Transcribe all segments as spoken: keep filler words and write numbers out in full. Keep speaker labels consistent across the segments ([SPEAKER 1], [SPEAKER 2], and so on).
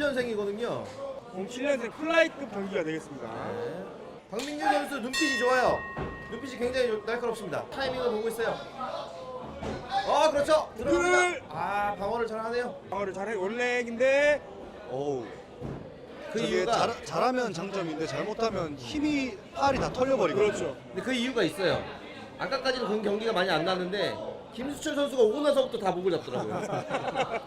[SPEAKER 1] 년생이거든요.
[SPEAKER 2] 공칠 년생 플라이급 경기가 되겠습니다.
[SPEAKER 1] 네. 박민규 선수 눈빛이 좋아요. 눈빛이 굉장히 날카롭습니다. 타이밍을 보고 있어요. 어, 그렇죠. 들어갑니다. 아, 방어를 잘하네요.
[SPEAKER 2] 방어를 잘해. 원래인데
[SPEAKER 3] 어우.
[SPEAKER 1] 그
[SPEAKER 3] 저게
[SPEAKER 1] 이유가
[SPEAKER 3] 잘, 잘하면 장점인데 잘못하면 힘이 팔이 다 털려버리거든요.
[SPEAKER 2] 그렇죠.
[SPEAKER 1] 근데 그 이유가 있어요. 아까까지는 그 경기가 많이 안 났는데 김수철 선수가 오고 나서부터 다 목을 잡더라고요.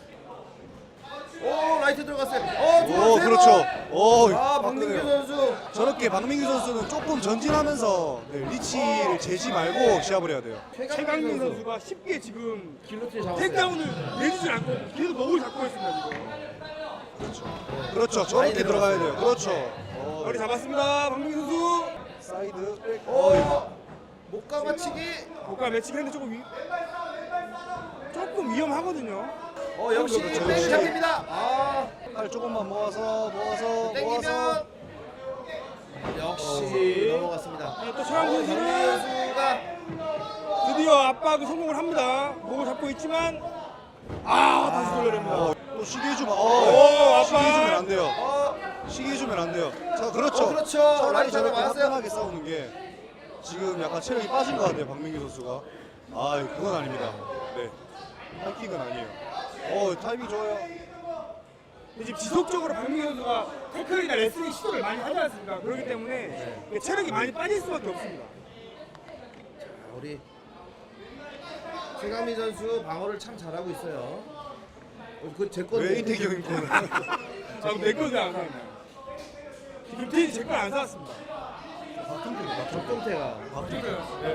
[SPEAKER 1] 오, 라이트 들어갔어요. 어,
[SPEAKER 3] 오, 그렇죠. 오,
[SPEAKER 1] 아, 박민규 선수.
[SPEAKER 3] 저렇게 박민규 선수는 조금 전진하면서 네, 리치를 재지 말고 시합을 해야 돼요.
[SPEAKER 2] 최강민 선수가 쉽게 지금
[SPEAKER 1] 길로틴 잡았어요.
[SPEAKER 2] 택다운을 내주지 않고 계속 목을 잡고 있습니다. 지금.
[SPEAKER 3] 그렇죠. 저렇게 들어가야 돼요. 그렇죠. 어,
[SPEAKER 2] 머리 잡았습니다. 박민규 선수.
[SPEAKER 3] 사이드 백.
[SPEAKER 1] 오, 목 감아치기.
[SPEAKER 2] 고가 매치기 했는데 조금 위... 조금 위험하거든요.
[SPEAKER 1] 어, 역시
[SPEAKER 3] 그렇죠,
[SPEAKER 1] 백
[SPEAKER 3] 역시.
[SPEAKER 1] 잡힙니다. 아,
[SPEAKER 3] 팔 조금만 모아서 모아서 모아서.
[SPEAKER 1] 땡기면 역시 넘어갔습니다.
[SPEAKER 2] 네, 또 최강민
[SPEAKER 1] 박민규
[SPEAKER 2] 선수는
[SPEAKER 1] 선수가
[SPEAKER 2] 드디어 압박을 성공을 합니다. 목을 잡고 있지만 아 다시 돌려냅니다.
[SPEAKER 3] 어, 또 시계 해주면
[SPEAKER 2] 오,
[SPEAKER 3] 어,
[SPEAKER 2] 아빠.
[SPEAKER 3] 시계 해주면 안 돼요.
[SPEAKER 1] 어,
[SPEAKER 3] 시계 해주면 안 돼요. 자, 그렇죠.
[SPEAKER 1] 어, 그렇죠.
[SPEAKER 3] 차라리
[SPEAKER 1] 라이트
[SPEAKER 3] 저렇게
[SPEAKER 1] 맞았어요.
[SPEAKER 3] 화끈하게 싸우는 게 지금 약간 체력이 빠진 것 같아요, 박민규 선수가. 아, 그건 아닙니다. 네, 하이킥은 아니에요. 어, 타이밍 좋아요.
[SPEAKER 2] 근데 지금 지속적으로 박민규 선수가 태클이나 레슬링 시도를 많이 하지 않습니까? 그렇기 때문에 체력이 많이 빠질 수밖에 없습니다.
[SPEAKER 1] 우리 최강민 선수 방어를 참 잘하고 있어요. 그제 건데.
[SPEAKER 3] 왜 이태경인 거는?
[SPEAKER 2] 아, 내 거는 안 사왔나요? 김태희 제 걸 안 사왔습니다.
[SPEAKER 1] 박종태가.
[SPEAKER 2] 네.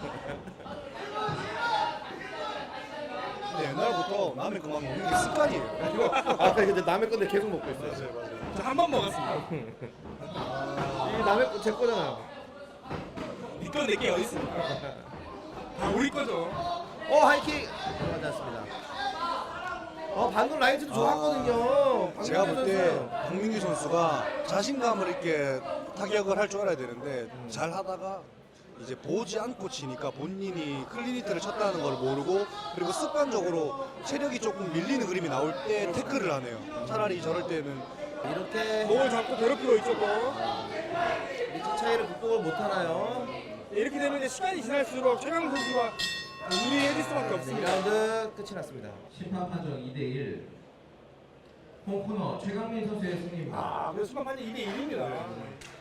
[SPEAKER 3] 근데 옛날부터 남의 그만 먹는 게 습관이에요.
[SPEAKER 1] 아, 근데 남의 건데 계속 먹고 있어요.
[SPEAKER 3] 맞아요, 맞아요.
[SPEAKER 2] 저 한 번 먹었습니다.
[SPEAKER 1] 이게 남의 거, 제 거잖아요.
[SPEAKER 2] 니건 내게 어디 있습니까? 다 우리 거죠.
[SPEAKER 1] 어, 하이킥 들어가지 않습니다. 어, 방금 라이트도 좋았거든요. 박민규
[SPEAKER 3] 제가 볼 때
[SPEAKER 1] 선수.
[SPEAKER 3] 박민규 선수가 자신감을 있게 타격을 할 줄 알아야 되는데 잘 하다가 이제 보지 않고 치니까 본인이 클리니트를 쳤다는 걸 모르고 그리고 습관적으로 체력이 조금 밀리는 그림이 나올 때 태클을 하네요. 차라리 저럴 때는
[SPEAKER 1] 이렇게
[SPEAKER 2] 목을 잡고 괴롭히고 있죠. 또.
[SPEAKER 1] 리치 차이를 극복을 못하나요?
[SPEAKER 2] 이렇게 되면 이제 시간이 지날수록 최강 선수가 유리해질 수밖에
[SPEAKER 1] 이
[SPEAKER 2] 없습니다.
[SPEAKER 1] 라운드 끝이 났습니다.
[SPEAKER 4] 심판 판정 이 대 일. 홈코너 최강민 선수의 승리입니다.
[SPEAKER 2] 아, 그래서 심판 판정 이 대 일입니다.